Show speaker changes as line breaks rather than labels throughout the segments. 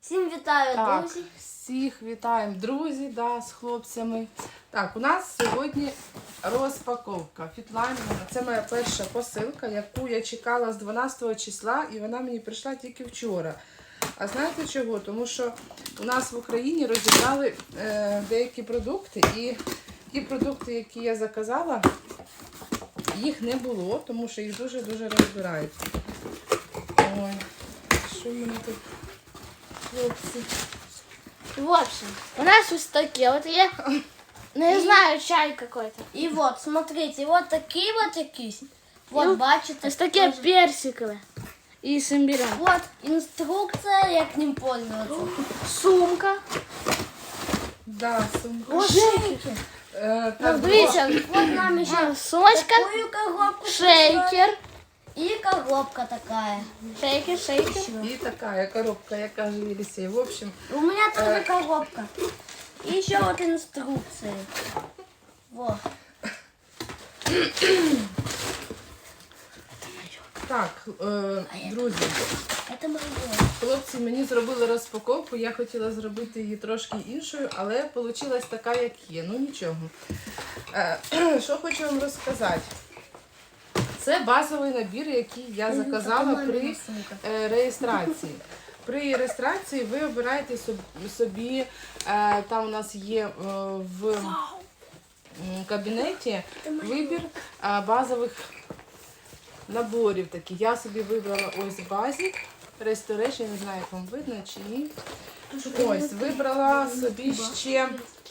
Всім вітаю,
Так,
друзі.
всіх вітаємо, друзі, з хлопцями. Так, у нас сьогодні розпаковка Фітлайн. Це моя перша посилка, яку я чекала з 12 числа, і вона мені прийшла тільки вчора. А знаєте чого? Тому що у нас в Україні розібрали деякі продукти, і ті продукти, які я заказала, їх не було, тому що їх дуже-дуже розбирають. Ой, що в мене тут, хлопці?
В общем, у нас вот такие вот я не знаю, чай какой-то.
И вот, смотрите, вот такие вот якісь. Вот, бачите.
Вот такие персиковые и с имбирем.
Вот інструкція, як ним пользуватися.
Сумка.
Да, сумка.
Вот шейкер.
Так,
Видите,
Вот нам еще
сумочка,
такую коробку.
шейкер.
И коробка такая.
Шейкер.
і така коробка, як каже Єлісей. В общем,
У меня тоже коробка. И еще вот инструкции. Вот.
так, друзі,
Это мое.
хлопці мені зробили розпаковку, я хотіла зробити її трошки іншою, але вийшла така, як є. Ну нічого. Що хочу вам розказати. Це базовий набір, який я заказала при реєстрації. При реєстрації ви обираєте собі, там у нас є в кабінеті вибір базових наборів. Такі. Я собі вибрала ось Basic Restoration, не знаю, як вам видно чи ні. Ось, вибрала собі ще,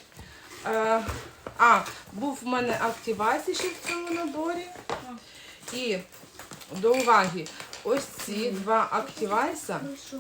був в мене Activise ще в цьому наборі. І до уваги, ось ці два Activise,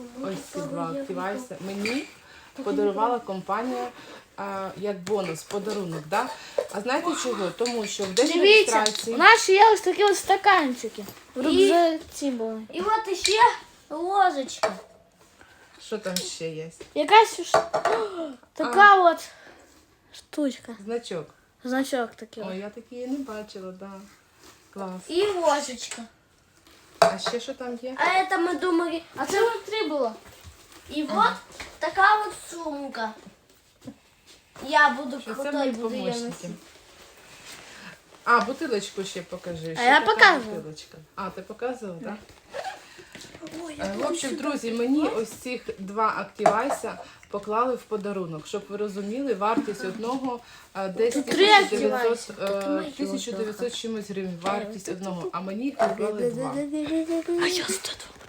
мені подарувала компанія як бонус, подарунок. Да? А знаєте чого? Тому що в день
Видите,
реєстрації...
у нас є ось такі от стаканчики. Вже ці були.
И вот еще ложечка.
Що там ще є?
Якась така от штучка.
Значок.
Значок такий.
Ой, я такі не бачила, да. Клас.
И ложечка.
А ще що там є?
А это мы думали.
А це внутрі було.
И вот такая вот сумка. Я буду
Що це
крутой,
мої
буду ее
помощники.
носить.
Бутилочку ще покажи. Що
я
така
показувала.
бутилочка? Ти показувала, так? В общем, друзі, мені ось цих два Activise поклали в подарунок. Щоб ви розуміли, вартість одного десь 1900 чимось гривень. Вартість одного, а мені їх поклали два.
А я стаду.